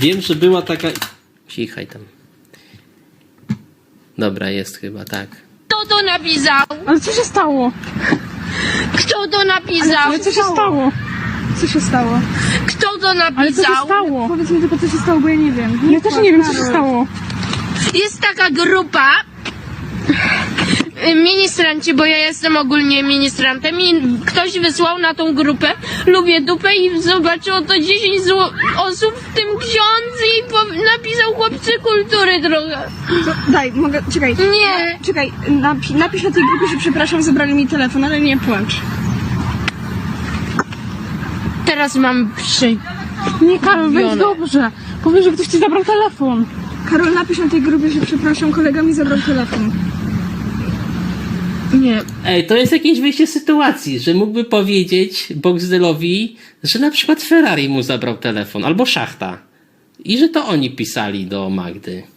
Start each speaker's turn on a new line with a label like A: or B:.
A: Wiem, że była taka... Cichaj tam. Dobra, jest chyba, tak.
B: Kto to napisał?
C: Ale co się stało?
B: Kto to napisał?
C: Ale co się stało? Co się stało?
B: Kto to
C: Ale co się
B: napisał?
C: stało?
D: Powiedz mi tylko, co się stało, bo ja nie wiem.
C: Ja też nie wiem, co się stało.
B: Jest taka grupa ministranci, bo ja jestem ogólnie ministrantem i ktoś wysłał na tą grupę lubię dupę i zobaczyło to 10 osób, w tym ksiądz i napisał chłopcy kultury trochę.
D: Daj, mogę, czekaj.
B: Nie.
D: Czekaj, napisz na tej grupie, że przepraszam, zabrali mi telefon, ale nie płacz.
B: Teraz mam
C: Nie, Karol, weź dobrze. Powiedz, że ktoś ci zabrał telefon.
D: Karol, napisz na tej grupie, że przepraszam, kolega mi zabrał telefon.
B: Nie.
A: Ej, to jest jakieś wyjście z sytuacji, że mógłby powiedzieć Boxdelowi, że na przykład Ferrari mu zabrał telefon, albo Szachta. I że to oni pisali do Magdy.